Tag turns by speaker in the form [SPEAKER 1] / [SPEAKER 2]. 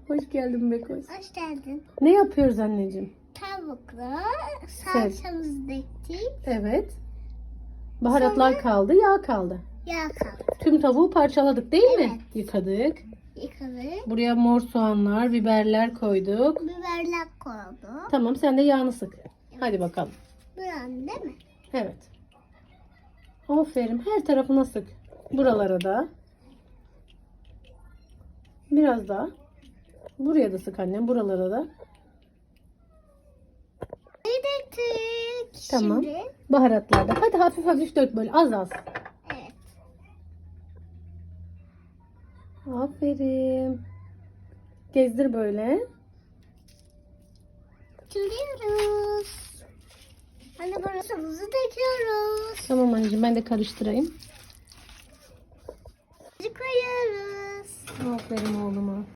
[SPEAKER 1] Hoş geldin Bekoş.
[SPEAKER 2] Hoş geldin.
[SPEAKER 1] Ne yapıyoruz anneciğim?
[SPEAKER 2] Tavukla salçamızı döktük.
[SPEAKER 1] Evet. Baharatlar kaldı, yağ kaldı.
[SPEAKER 2] Yağ kaldı.
[SPEAKER 1] Tüm tavuğu parçaladık değil mi?
[SPEAKER 2] Evet.
[SPEAKER 1] Yıkadık.
[SPEAKER 2] Yıkadık.
[SPEAKER 1] Buraya mor soğanlar, biberler koyduk.
[SPEAKER 2] Biberler koyduk.
[SPEAKER 1] Tamam, sen de yağını sık. Hadi bakalım.
[SPEAKER 2] Buranın değil mi?
[SPEAKER 1] Evet. Aferin. Her tarafına sık. Buralara da. Biraz daha. Buraya da sık annem. Buralara da.
[SPEAKER 2] Döktük.
[SPEAKER 1] Tamam.
[SPEAKER 2] Şimdi
[SPEAKER 1] Baharatlar da. Hadi hafif hafif dök böyle. Az az.
[SPEAKER 2] evet.
[SPEAKER 1] Aferin. Gezdir böyle.
[SPEAKER 2] Çırıyoruz. Hani burası buzu döküyoruz.
[SPEAKER 1] Tamam anneciğim, ben de karıştırayım.
[SPEAKER 2] Koyuyoruz.
[SPEAKER 1] Aferin oğluma.